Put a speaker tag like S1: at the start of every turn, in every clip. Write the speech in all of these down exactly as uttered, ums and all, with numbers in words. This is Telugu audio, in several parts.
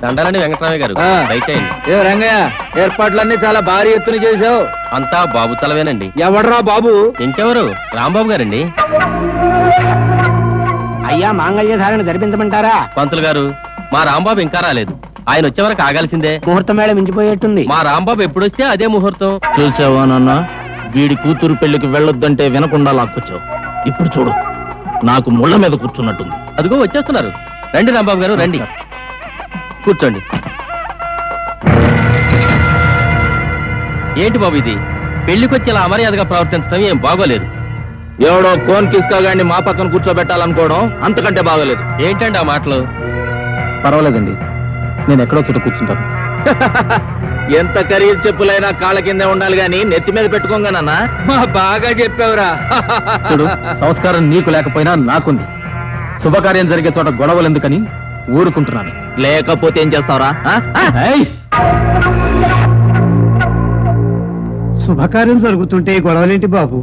S1: దండాలని వెంకటరామయ్య గారు
S2: ఆ.
S1: దయచేయండి.
S2: ఏ రంగయ్య, ఏర్పాట్లన్నీ చాలా భారీ ఎత్తున చేసావు.
S1: అంతా బాబు చలవేనండి.
S2: ఎవడ్రా బాబు?
S1: ఇంకెవరు, రాంబాబు గారండి.
S3: అయ్యా మాంగళ్య ధారణ జరిపించమంటారా?
S1: పంతులు గారు, మా రాంబాబు ఇంకా రాలేదు. ఆయన వచ్చే వరకు ఆగాల్సిందే.
S3: ముహూర్తం వేళ మించిపోయేట్టుంది.
S1: మా రాంబాబు ఎప్పుడొస్తే అదే ముహూర్తం.
S4: చూసావా నాన్న, వీడి కూతురు పెళ్లికి వెళ్ళొద్దంటే వినకుండా లాక్కొచ్చావు. ఇప్పుడు చూడు, నాకు ముళ్ళ మీద కూర్చున్నట్టుంది.
S1: అదిగో వచ్చేస్తున్నారు. రండి రాంబాబు గారు, రండి, కూర్చోండి. ఏంటి బాబు ఇది? పెళ్లికొచ్చి ఇలా అమర్యాదగా ప్రవర్తించడం ఏం బాగోలేదు.
S4: ఎవడో కోన్ కిస్కాగాడిని మా పక్కన కూర్చోబెట్టాలనుకోవడం అంతకంటే బాగోలేదు.
S1: ఏంటండి ఆ మాటలు?
S4: పర్వాలేదండి, నేను ఎక్కడో చోట కూర్చుంటాను. ఎంత ఖరీదు చెప్పులైనా కాళ్ళ కిందే ఉండాలి గాని నెత్తి మీద పెట్టుకోగానన్నా.
S2: మా బాగా చెప్పావురా.
S4: చూడు, సంస్కారం నీకు లేకపోయినా నాకుంది. శుభకార్యం జరిగే చోట గొడవలు ఎందుకని ఊరుకుంటున్నాను. లేకపోతే ఏం చేస్తావురా?
S3: శుభకార్యం జరుగుతుంటే గొడవలేంటి బాబు?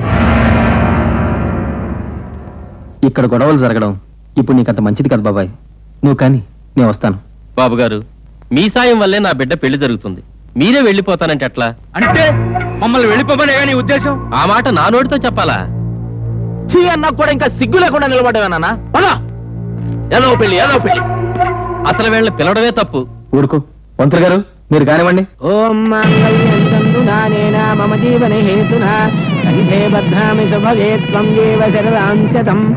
S4: ఇక్కడ గొడవలు జరగడం ఇప్పుడు నీకంత మంచిది కదా బాబాయ్. నువ్వు కానీ నేను వస్తాను.
S1: బాబు గారు, మీ సాయం వల్లే నా బిడ్డ పెళ్లి జరుగుతుంది. మీరే వెళ్ళిపోతానంటే ఎట్లా?
S2: అంటే మమ్మల్ని వెళ్ళిపోమనే నీ ఉద్దేశం?
S1: ఆ మాట నా నోటితో చెప్పాలా?
S4: చీ అన్నా కూడా ఇంకా సిగ్గు లేకుండా నిలబడ్డావేనా? పదా, ఏదో పెళ్లి ఏదో పెళ్లి.
S1: అసలు వీళ్ళని పిలవడమే తప్పు.
S4: ఊరుకో పంతులు గారు, మీరు కానివ్వండి.
S3: ఓం మాంగళ్యం తంతునానేన మమ జీవన హేతునా కంఠే బధ్నామి శుభగే త్వం జీవ శరదాంశతం.